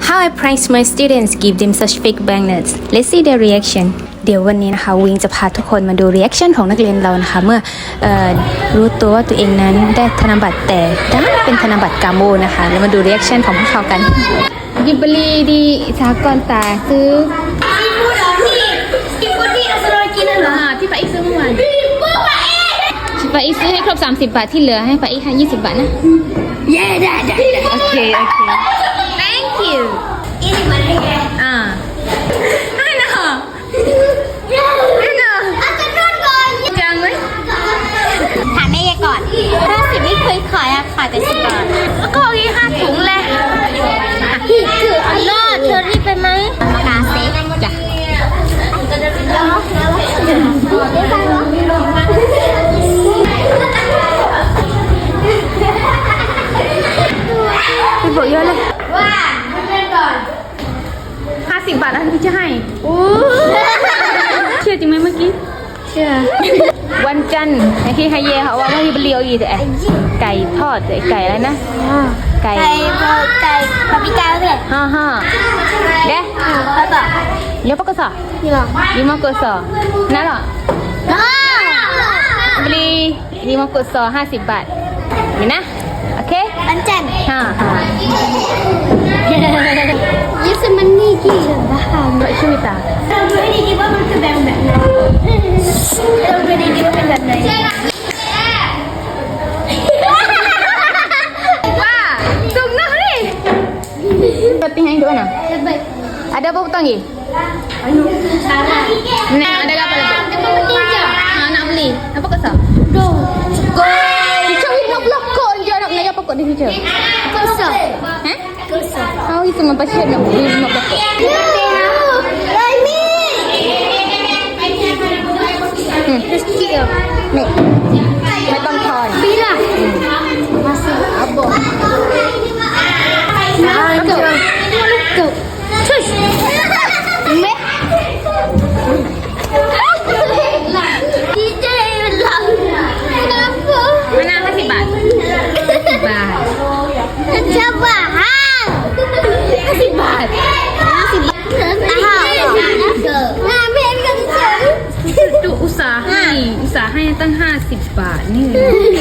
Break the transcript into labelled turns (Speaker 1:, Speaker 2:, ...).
Speaker 1: How I prank my students give them such fake banknotes. Let's see their reaction. เดี๋ยววันนี้นะคะวิงจะพาทุกคนมาดู reaction ของนักเรียนเรานะคะเมื่อรู้ตัวว่าตัวเองนั้นได้ธนบัตรแต่ดันเป็นธนบัตรกาโมนะคะแล้วมาดู reaction ของพวกเขากันยิบลีดีสากรตาซื้อ
Speaker 2: ซีฟู้ดที่อัสโรกินเหรอ
Speaker 1: ที่ป้าอีกซื้อเมื่อวานป้าอีกซื้อให้ครบ30 บาทที่เหลือให้ป้าอีกให้20 บาทนะ
Speaker 2: เย้ได้
Speaker 1: โอเค thank you
Speaker 2: อีกมันเลย
Speaker 1: ให้นะ
Speaker 2: อาจจะนวดก่อน
Speaker 1: จังไหม
Speaker 2: ถามแม่ยายก่อน50ไม่เคยขายอะขายแต่10 บาท
Speaker 1: แล้วก็อีก5 ถุงเลย
Speaker 2: คืออันนอดเชอรี่ไปไหมกาเซ่
Speaker 1: จ้ะพี่บอกเยอะเลย
Speaker 2: ว่าเล่นก่อน
Speaker 1: 50 บาทแล้วพี่จะให้เชื่อจริงไหมเมื่อกี้เชื่อวันจันทร์ที่ไฮเย่เขาว่าพี่เลียวอีแต่ไก่ทอดไก่อะไรนะไก่
Speaker 2: ปาปิก้าเลย
Speaker 1: ฮ่าเด้
Speaker 2: แล้วต่อ
Speaker 1: เลี้ยวปกสอlima kosongนั่นหรอlima kosong50 บาทนี่นะโอเค
Speaker 2: วันจันทร์
Speaker 1: ยี่สิบมันนี่กี่บาทไม่ช่วยตา
Speaker 2: เราไม่ได้คิดว่ามันคือแบบไหนเราไม่ได้คิดว่าเป็นแบบไหน
Speaker 1: ว่าจุกนะนี่penting yang itu mana ada apa hutang ni nah ada apa lagi nak beli apa kesal Teacher nak belakang je nak naik apa kot di teacher
Speaker 2: kosong
Speaker 1: oh itu memang pasal nak beli nak belakang
Speaker 2: terus kira
Speaker 1: niไม่ต้องทอน
Speaker 2: bila masih abang Go. Shush. Me. DJ หลังKenapa?
Speaker 1: Mana 50 บาท50 บาท
Speaker 2: Coba.
Speaker 1: 50 บาท
Speaker 2: Nah, biar kencang.
Speaker 1: ดูอุตส่าห์ให้ตั้ง50 บาทนี่